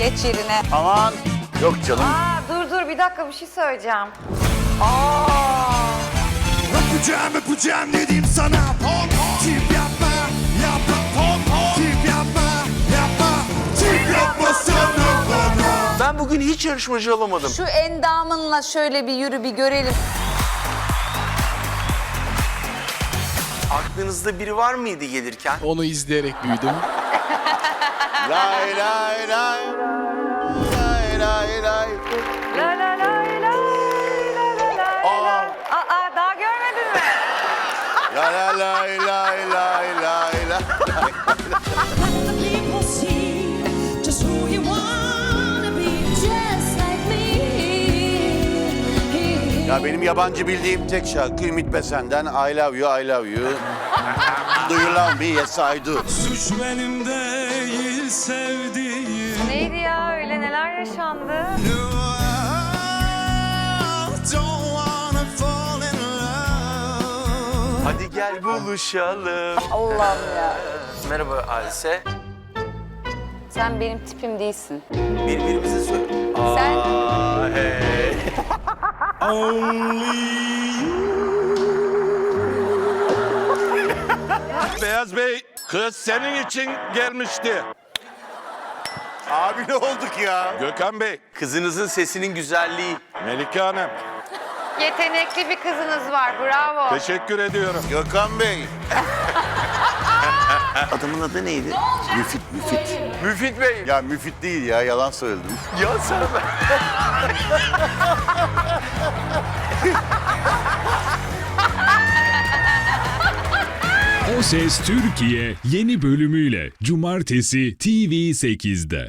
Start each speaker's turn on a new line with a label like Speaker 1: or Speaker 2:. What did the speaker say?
Speaker 1: Geç yerine.
Speaker 2: Aman. Yok canım.
Speaker 1: Dur bir dakika bir şey söyleyeceğim.
Speaker 3: Yapacağım dedim sana. Tip yapma, tip yapma sana bana.
Speaker 2: Ben bugün hiç yarışmacı olamadım.
Speaker 1: Şu endamınla şöyle bir yürü bir görelim.
Speaker 2: Aklınızda biri var mıydı gelirken?
Speaker 4: Onu izleyerek büyüdüm.
Speaker 2: Lay lay lay. Lay lay lay.
Speaker 1: La la la la la la. Daha görmedin mi?
Speaker 2: La la lay lay lay lay lay.
Speaker 5: Let the people see just who you wanna be, just like me.
Speaker 2: Ya benim yabancı bildiğim tek şarkı Ümit Besen'den I Love You, I Love You. Do you love me? Yes, I do.
Speaker 3: Suç benim değil sevdiğim.
Speaker 1: Neydi ya öyle neler yaşandı?
Speaker 3: Don't wanna fall in love.
Speaker 2: Hadi gel buluşalım.
Speaker 1: Allah'ım ya.
Speaker 2: Merhaba Halise.
Speaker 1: Sen benim tipim değilsin.
Speaker 2: Birbirimize söyle.
Speaker 1: Sen
Speaker 2: Hey.
Speaker 6: Beyaz Bey, kız senin için gelmişti.
Speaker 2: Abi ne olduk ya?
Speaker 6: Gökhan Bey,
Speaker 2: Kızınızın sesinin güzelliği.
Speaker 6: Melike Hanım,
Speaker 1: yetenekli bir kızınız var. Bravo.
Speaker 6: teşekkür ediyorum.
Speaker 2: Gökhan Bey. Adamın adı neydi? Müfit. Müfit Bey. Ya Müfit değil ya, yalan söyledim. Ya sen
Speaker 7: O Ses Türkiye yeni bölümüyle Cumartesi TV8'de.